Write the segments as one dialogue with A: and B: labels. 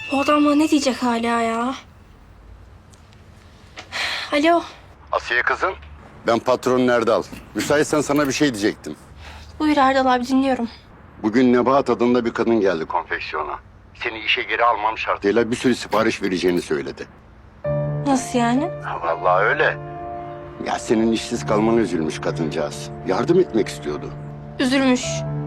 A: Bu adam bana ne diyecek hala ya? Alo.
B: Asiye kızım. Ben patron Erdal. Müsaitsen sana bir şey diyecektim.
A: Buyur Erdal abi, dinliyorum.
B: Bugün Nebahat adında bir kadın geldi konfeksiyona. Seni işe geri almam şartıyla bir sürü sipariş vereceğini söyledi.
A: Nasıl yani?
B: Vallahi öyle. Ya senin işsiz kalmana üzülmüş kadıncağız. Yardım etmek istiyordu.
A: Üzülmüş.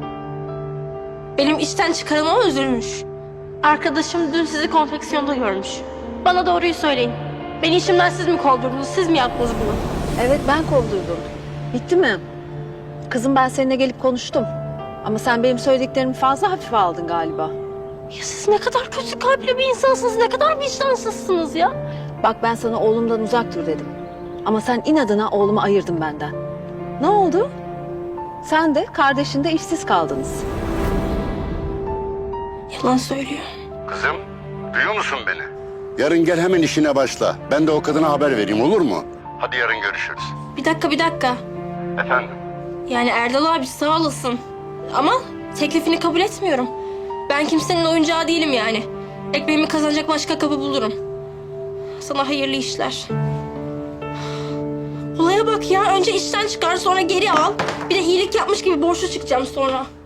A: Benim işten çıkarılmama üzülmüş. Arkadaşım dün sizi konfeksiyonda görmüş. Bana doğruyu söyleyin. Beni işimden siz mi kovdurdunuz, siz mi yaptınız bunu?
C: Evet, ben kovdurdum. Bitti mi? Kızım, ben seninle gelip konuştum. Ama sen benim söylediklerimi fazla hafife aldın galiba.
A: Ya siz ne kadar kötü kalpli bir insansınız, ne kadar vicdansızsınız ya.
C: Bak, ben sana oğlumdan uzak dur dedim. Ama sen inadına oğlumu ayırdın benden. Ne oldu? Sen de kardeşin de işsiz kaldınız.
A: Yalan söylüyor.
B: Kızım, duyuyor musun beni? Yarın gel hemen işine başla. Ben de o kadına haber vereyim, olur mu? Hadi yarın görüşürüz.
A: Bir dakika.
B: Efendim?
A: Yani Erdal abi sağ olasın. Ama teklifini kabul etmiyorum. Ben kimsenin oyuncağı değilim yani. Ekmeğimi kazanacak başka kapı bulurum. Sana hayırlı işler. Olaya bak ya. Önce işten çıkar, sonra geri al. Bir de iyilik yapmış gibi borçlu çıkacağım sonra.